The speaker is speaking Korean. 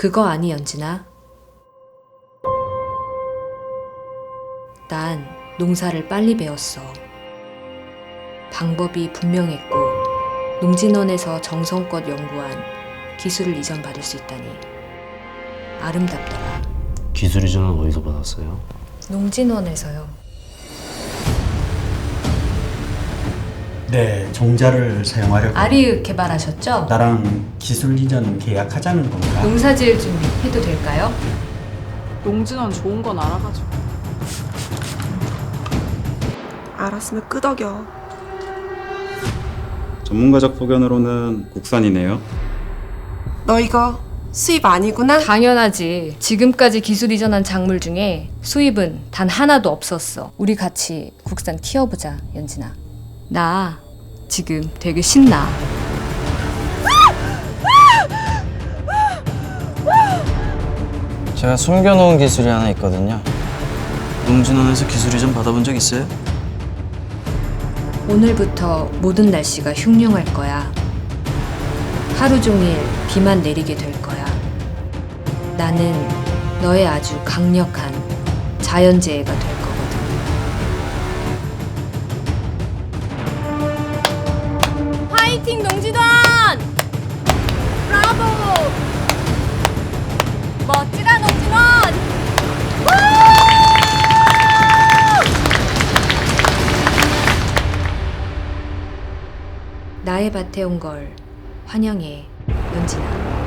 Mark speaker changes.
Speaker 1: 그거 아니, 연진아? 난 농사를 빨리 배웠어. 방법이 분명했고 농진원에서 정성껏 연구한 기술을 이전받을 수 있다니 아름답더라.
Speaker 2: 기술 이전은 어디서 받았어요?
Speaker 1: 농진원에서요.
Speaker 3: 네, 종자를 사용하려고.
Speaker 1: 아리읍 개발하셨죠?
Speaker 3: 나랑 기술 이전 계약하자는 건가?
Speaker 1: 농사지을 준비 해도 될까요?
Speaker 4: 농진원 좋은 건 알아가지고.
Speaker 5: 알았으면 끄덕여.
Speaker 6: 전문가적 소견으로는 국산이네요.
Speaker 5: 너 이거 수입 아니구나?
Speaker 1: 당연하지. 지금까지 기술 이전한 작물 중에 수입은 단 하나도 없었어. 우리 같이 국산 키워보자, 연진아. 나 지금 되게 신나.
Speaker 7: 제가 숨겨놓은 기술이 하나 있거든요. 농진원에서 기술 이전 받아본 적 있어요?
Speaker 1: 오늘부터 모든 날씨가 흉흉할 거야. 하루 종일 비만 내리게 될 거야. 나는 너의 아주 강력한 자연재해가 될 거거든. 화이팅 농진원! 브라보! 멋지다 농진원! 나의 밭에 온 걸 환영해, 연진아.